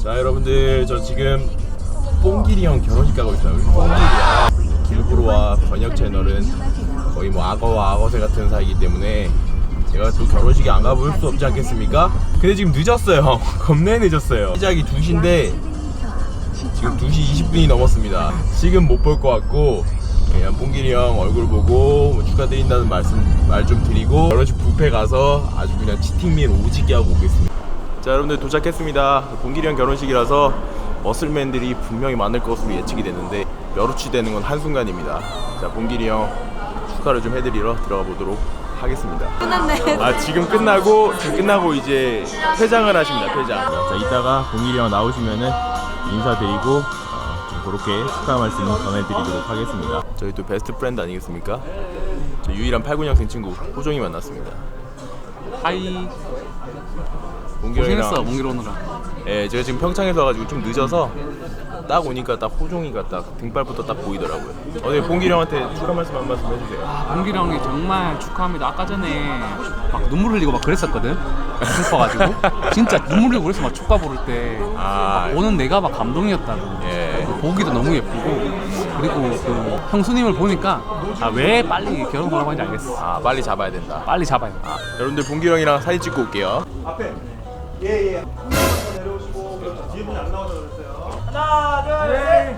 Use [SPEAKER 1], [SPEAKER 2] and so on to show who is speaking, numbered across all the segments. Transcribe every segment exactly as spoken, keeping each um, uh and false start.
[SPEAKER 1] 자 여러분들, 저 지금 뽕길이 형 결혼식 가고 있어요. 우리 뽕길이야. 길브로와 번역 채널은 거의 뭐 악어와 악어새 같은 사이이기 때문에 제가 또 결혼식에 안 가볼 수 없지 않겠습니까? 근데 지금 늦었어요. 겁내 늦었어요. 시작이 두 시인데 지금 두 시 이십 분이 넘었습니다. 지금 못 볼 것 같고 그냥 뽕길이 형 얼굴 보고 뭐 축하드린다는 말씀 말 좀 드리고 결혼식 뷔페 가서 아주 그냥 치팅밀 오지게 하고 오겠습니다. 자 여러분들, 도착했습니다. 뽕길이 형 결혼식이라서 머슬맨들이 분명히 많을 것으로 예측이 됐는데 멸우치 되는 건 한순간입니다. 자 뽕길이 형 축하를 좀 해드리러 들어가 보도록 하겠습니다.
[SPEAKER 2] 끝났네.
[SPEAKER 1] 아 지금 끝나고 지금 끝나고 이제 퇴장을 하십니다. 퇴장. 자 이따가 뽕길이 형 나오시면은 인사드리고 어, 좀 그렇게 축하 말씀 전해드리도록 하겠습니다. 저희 또 베스트 프렌드 아니겠습니까? 저 유일한 팔십구 년생 친구 호종이 만났습니다.
[SPEAKER 3] 하이.
[SPEAKER 1] 몽길이랑
[SPEAKER 3] 고생했어, 몽길 오느라.
[SPEAKER 1] 예, 제가 지금 평창에서 와가지고 좀 늦어서 딱 오니까 딱 호종이가 딱 등발부터 딱 보이더라고요. 어제 봉길이 형한테 축하 말씀 한 말씀 해주세요.
[SPEAKER 3] 아, 몽길 형이 정말 축하합니다. 아까 전에 막 눈물 흘리고 막 그랬었거든. 슬퍼가지고 진짜 눈물 흘리고 그래서 막 축가 부를 때
[SPEAKER 1] 아,
[SPEAKER 3] 막 오는 내가 막 감동이었다고.
[SPEAKER 1] 예.
[SPEAKER 3] 보기도 너무 예쁘고 그리고 그 형수님을 보니까 아, 왜 빨리 결혼하라고 하는지 알겠어.
[SPEAKER 1] 아 빨리 잡아야 된다.
[SPEAKER 3] 빨리 잡아요.
[SPEAKER 1] 아, 여러분들 봉길이 형이랑 사진 찍고 올게요.
[SPEAKER 4] 앞에 예예 내려오시고 뒤에 분이 안 나와서 그랬어요. 하나 둘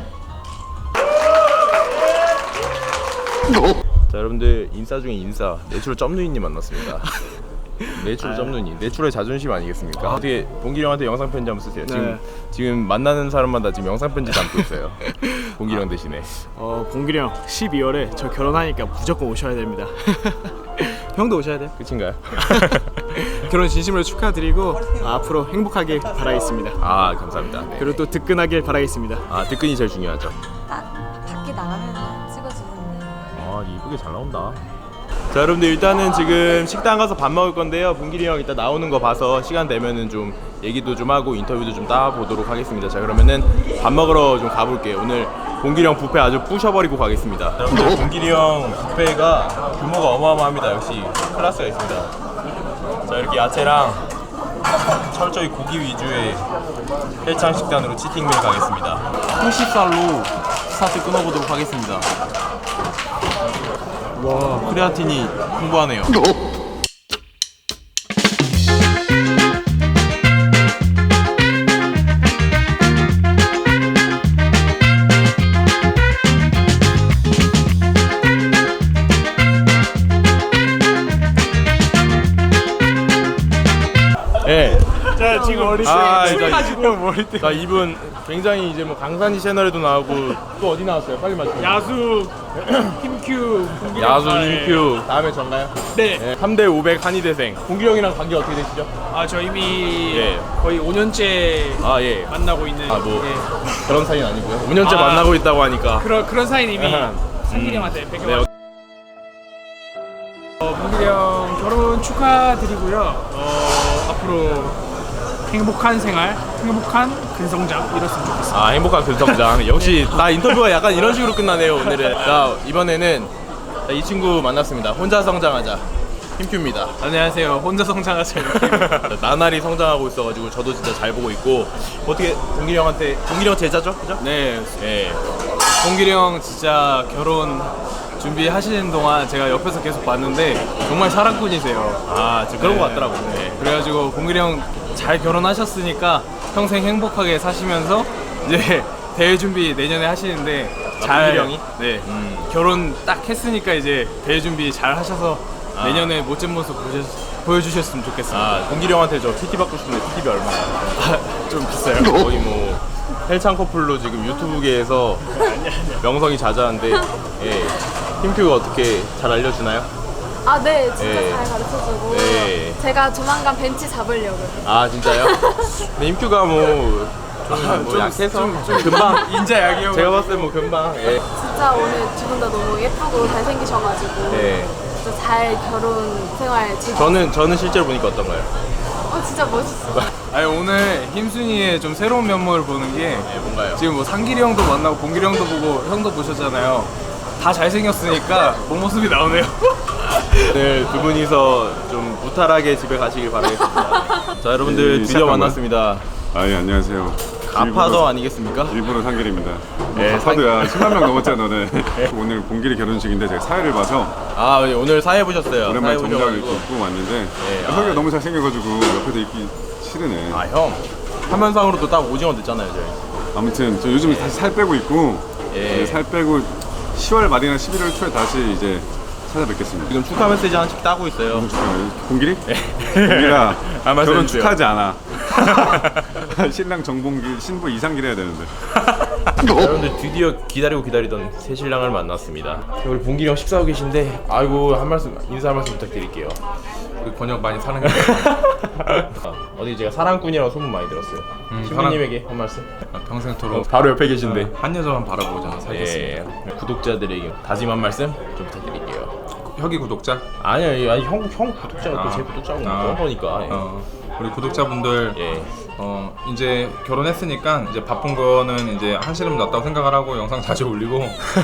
[SPEAKER 4] 셋.
[SPEAKER 1] 자 여러분들, 인싸 중에 인싸 내추럴 점누이님 만났습니다. 내추럴 점누이, 내추럴 자존심 아니겠습니까? 아. 어떻게 봉길이 형한테 영상 편지 한번 쓰세요. 지금
[SPEAKER 4] 네.
[SPEAKER 1] 지금 만나는 사람마다 지금 영상 편지 담고 있어요. 봉길이 형 대신에.
[SPEAKER 4] 어 봉길이 형 십이월에 저 결혼하니까 무조건 오셔야 됩니다. 형도 오셔야 돼요.
[SPEAKER 1] 끝인가요?
[SPEAKER 4] 결혼 진심으로 축하드리고 앞으로 행복하길 바라겠습니다.
[SPEAKER 1] 아 감사합니다. 네.
[SPEAKER 4] 그리고 또 득근하길 바라겠습니다.
[SPEAKER 1] 아 득근이 제일 중요하죠.
[SPEAKER 2] 딱 밖에 나가면 찍어주는.
[SPEAKER 1] 아 이쁘게 잘 나온다. 자 여러분들, 일단은 지금 식당 가서 밥 먹을 건데요. 봉길이 형 이따 나오는 거 봐서 시간 되면은 좀 얘기도 좀 하고 인터뷰도 좀 따보도록 하겠습니다. 자 그러면은 밥 먹으러 좀 가볼게요. 오늘 봉길이 형 뷔페 아주 부셔버리고 가겠습니다. 여러분들, 봉길이 형 뷔페가 규모가 어마어마합니다. 역시 클래스가 있습니다. 자 이렇게 야채랑 철저히 고기 위주의 헬창 식단으로 치팅밀 가겠습니다. 후식살로 스타트 끊어보도록 하겠습니다. 와, 크레아틴이 풍부하네요. 예.
[SPEAKER 4] 자 지금 머리
[SPEAKER 1] 아,
[SPEAKER 4] 술
[SPEAKER 1] 자,
[SPEAKER 4] 가지고 머리 때
[SPEAKER 1] 자 이분 굉장히 이제 뭐 강산이 채널에도 나오고 또 어디 나왔어요? 빨리 맞춰.
[SPEAKER 4] 야수 힘큐
[SPEAKER 1] 야수 인큐 다음에 전가요?
[SPEAKER 4] 네.
[SPEAKER 1] 네. 삼 대 오백 한의대생. 봉길이 형이랑 관계 어떻게 되시죠?
[SPEAKER 4] 아 저 이미
[SPEAKER 1] 예.
[SPEAKER 4] 거의 오 년째
[SPEAKER 1] 아 예.
[SPEAKER 4] 만나고 있는
[SPEAKER 1] 아 뭐
[SPEAKER 4] 예.
[SPEAKER 1] 그런 사이는 아니고요. 오 년째
[SPEAKER 4] 아.
[SPEAKER 1] 만나고 있다고 하니까.
[SPEAKER 4] 그런 그런 사이는 이미
[SPEAKER 1] 아하.
[SPEAKER 4] 상길이 형한테 뺏겨.
[SPEAKER 1] 네.
[SPEAKER 4] 어, 봉길이 형 결혼 축하드리고요. 어, 앞으로 행복한 생활, 행복한 근성장 이뤘으면 좋겠습니다.
[SPEAKER 1] 아 행복한 근성장. 역시 나 인터뷰가 약간 이런 식으로 끝나네요 오늘은. 자 이번에는 자, 이 친구 만났습니다. 혼자 성장하자. 힘큐입니다.
[SPEAKER 4] 안녕하세요. 혼자 성장하세요.
[SPEAKER 1] 나날이 성장하고 있어가지고 저도 진짜 잘 보고 있고. 어떻게 봉길이 형한테 봉길이 형 제자죠? 그죠?
[SPEAKER 3] 네,
[SPEAKER 1] 예.
[SPEAKER 3] 봉길이 형 진짜 결혼 준비하시는 동안 제가 옆에서 계속 봤는데 정말 사랑꾼이세요.
[SPEAKER 1] 아 지금 그런
[SPEAKER 3] 네.
[SPEAKER 1] 거 같더라고요. 네.
[SPEAKER 3] 그래가지고 봉길이 형 잘 결혼하셨으니까 평생 행복하게 사시면서 이제 대회 준비 내년에 하시는데
[SPEAKER 1] 아,
[SPEAKER 3] 잘
[SPEAKER 1] 봉길이 형이?
[SPEAKER 3] 네
[SPEAKER 1] 음.
[SPEAKER 3] 결혼 딱 했으니까 이제 대회 준비 잘 하셔서
[SPEAKER 1] 아.
[SPEAKER 3] 내년에 멋진 모습 보여주, 보여주셨으면 좋겠습니다.
[SPEAKER 1] 아 봉길이 형한테 저 피티 받고 싶은데 피티비 얼마나?
[SPEAKER 3] 좀 비싸요.
[SPEAKER 1] 거의 뭐 헬창 커플로 지금 유튜브계에서 명성이 자자한데 예. 힘큐가 어떻게 잘 알려주나요?
[SPEAKER 2] 아, 네, 진짜
[SPEAKER 1] 네.
[SPEAKER 2] 잘 가르쳐주고.
[SPEAKER 1] 네.
[SPEAKER 2] 제가 조만간 벤치 잡으려고요.
[SPEAKER 1] 아 진짜요? 근데 힘큐가 뭐 좀 뭐 약해서 좀, 좀 금방
[SPEAKER 3] 인자약이요.
[SPEAKER 1] 제가 봤을 때 뭐 금방 예.
[SPEAKER 2] 진짜 오늘 두 분 다 너무 예쁘고 잘생기셔가지고.
[SPEAKER 1] 네.
[SPEAKER 2] 진짜 잘 결혼 생활 즐기고.
[SPEAKER 1] 저는 저는 실제로 보니까 어떤가요?
[SPEAKER 2] 어, 진짜 멋있어.
[SPEAKER 3] 아니 오늘 힘순이의 좀 새로운 면모를 보는 게
[SPEAKER 1] 네, 뭔가요?
[SPEAKER 3] 지금 뭐 상길이 형도 만나고 봉길이 형도 보고 형도 보셨잖아요. 다 잘생겼으니까 본 모습이 나오네요.
[SPEAKER 1] 오늘 두 분이서 좀 무탈하게 집에 가시길 바라겠습니다. 자 여러분들
[SPEAKER 3] 네,
[SPEAKER 1] 드디어
[SPEAKER 3] 시작한
[SPEAKER 1] 만났습니다.
[SPEAKER 5] 아, 예, 안녕하세요.
[SPEAKER 1] 가파도 아니겠습니까?
[SPEAKER 5] 일본어 상길입니다.
[SPEAKER 1] 네,
[SPEAKER 5] 가파도야. 십만 명 넘었잖아, 너네. 오늘 봉길이 결혼식인데 제가 사회를 봐서
[SPEAKER 1] 아 오늘 사회 보셨어요?
[SPEAKER 5] 오랜만에
[SPEAKER 1] 사회
[SPEAKER 5] 정장을
[SPEAKER 1] 보셔가지고.
[SPEAKER 5] 입고 입고 왔는데
[SPEAKER 1] 네,
[SPEAKER 5] 아, 형이
[SPEAKER 1] 아.
[SPEAKER 5] 너무 잘생겨가지고 옆에서 입기 싫으네.
[SPEAKER 1] 아 형, 화면상으로 또 딱 오징어 됐잖아요 저희.
[SPEAKER 5] 아무튼 저 요즘 다시 살 빼고 있고
[SPEAKER 1] 예.
[SPEAKER 5] 이제 살 빼고 시월 말이나 십일월 초에 다시 이제 찾아뵙겠습니다.
[SPEAKER 1] 지금 축하 메시지 하나씩 따고 있어요.
[SPEAKER 5] 봉길이? 봉길아
[SPEAKER 1] 아, 말씀해
[SPEAKER 5] 결혼
[SPEAKER 1] 주세요.
[SPEAKER 5] 축하하지 않아. 신랑 정봉길, 신부 이상길 해야 되는데.
[SPEAKER 1] 여러분들 드디어 기다리고 기다리던 새 신랑을 만났습니다. 우리 봉길이 형 식사하고 계신데 아이고 한 말씀 인사 한 말씀 부탁드릴게요.
[SPEAKER 3] 우리 번역 많이 사랑해.
[SPEAKER 1] 어디 제가 사랑꾼이라고 소문 많이 들었어요.
[SPEAKER 3] 음,
[SPEAKER 1] 신부님에게 한 말씀.
[SPEAKER 3] 평생토록
[SPEAKER 1] 바로 옆에 계신데.
[SPEAKER 3] 한 여자만 바라보자 살겠습니다.
[SPEAKER 1] 예, 구독자들에게 다짐 한 말씀 좀 부탁드릴게요.
[SPEAKER 3] 혁이 구독자.
[SPEAKER 1] 아니요, 아니 형, 형 구독자가
[SPEAKER 3] 아.
[SPEAKER 1] 또 제 구독자고
[SPEAKER 3] 아.
[SPEAKER 1] 그런 거니까. 예.
[SPEAKER 3] 어, 우리 구독자분들
[SPEAKER 1] 예.
[SPEAKER 3] 어 이제 결혼했으니까 이제 바쁜 거는 이제 한시름 났다고 생각을 하고 영상 자주 올리고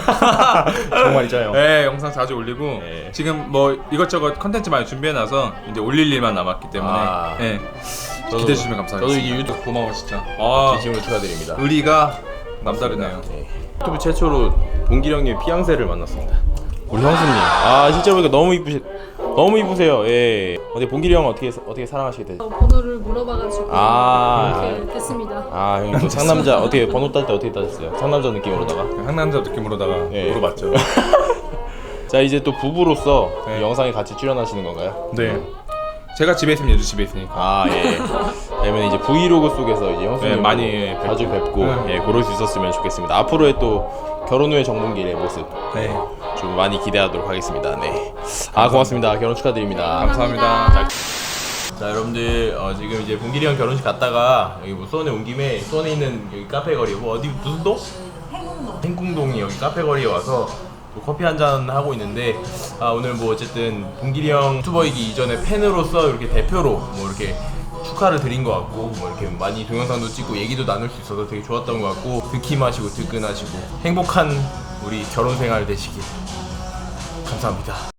[SPEAKER 1] 정말이죠.
[SPEAKER 3] 네 영상 자주 올리고
[SPEAKER 1] 예.
[SPEAKER 3] 지금 뭐 이것저것 컨텐츠 많이 준비해놔서 이제 올릴 일만 남았기 때문에
[SPEAKER 1] 아.
[SPEAKER 3] 예.
[SPEAKER 1] 저도-
[SPEAKER 3] 기대해 주시면 감사하겠습니다.
[SPEAKER 1] 저도 이게 유튜브
[SPEAKER 3] 고마워 진짜. 아
[SPEAKER 1] 진심으로 축하드립니다.
[SPEAKER 3] 의리가 남다르네요.
[SPEAKER 1] 네. 유튜브 최초로 봉길이 형님 피앙세를 만났습니다. 우리 형수님. 아 실제로 보니까 너무 이쁘시, 너무 이쁘세요. 예. 어디 봉길이 형 어떻게 어떻게 사랑하시게 되죠?
[SPEAKER 2] 어, 번호를 물어봐가지고
[SPEAKER 1] 아.
[SPEAKER 2] 이렇게 됐습니다.
[SPEAKER 1] 아 형님 또 상남자 어떻게 번호 딸 때 어떻게 따졌어요? 상남자 느낌으로다가.
[SPEAKER 3] 상남자 느낌으로다가
[SPEAKER 1] 예.
[SPEAKER 3] 물어봤죠.
[SPEAKER 1] 자 이제 또 부부로서
[SPEAKER 3] 네.
[SPEAKER 1] 이 영상에 같이 출연하시는 건가요?
[SPEAKER 3] 네. 제가 집에 있으면 얘도 집에 있으니까.
[SPEAKER 1] 아 예. 그러면 이제 브이로그 속에서 이제 형수님
[SPEAKER 3] 네, 많이
[SPEAKER 1] 자주 뵙고
[SPEAKER 3] 네.
[SPEAKER 1] 예, 그럴 수 있었으면 좋겠습니다. 앞으로의 또 결혼 후의 정봉길의 모습
[SPEAKER 3] 네.
[SPEAKER 1] 좀 많이 기대하도록 하겠습니다. 네. 아 고맙습니다. 결혼 축하드립니다.
[SPEAKER 3] 감사합니다.
[SPEAKER 1] 자 여러분들 어, 지금 이제 봉길이 형 결혼식 갔다가 여기 뭐 수원에 온 김에 수원에 있는 여기 카페 거리 뭐 어디 무슨 동? 행궁동. 행궁동이 여기 카페 거리에 와서 또 커피 한 잔 하고 있는데 아 오늘 뭐 어쨌든 봉길이 형 유튜버이기 이전에 팬으로서 이렇게 대표로 뭐 이렇게 축하를 드린 것 같고 뭐 이렇게 많이 동영상도 찍고 얘기도 나눌 수 있어서 되게 좋았던 것 같고 득힘하시고 득근하시고 행복한 우리 결혼 생활 되시길 감사합니다.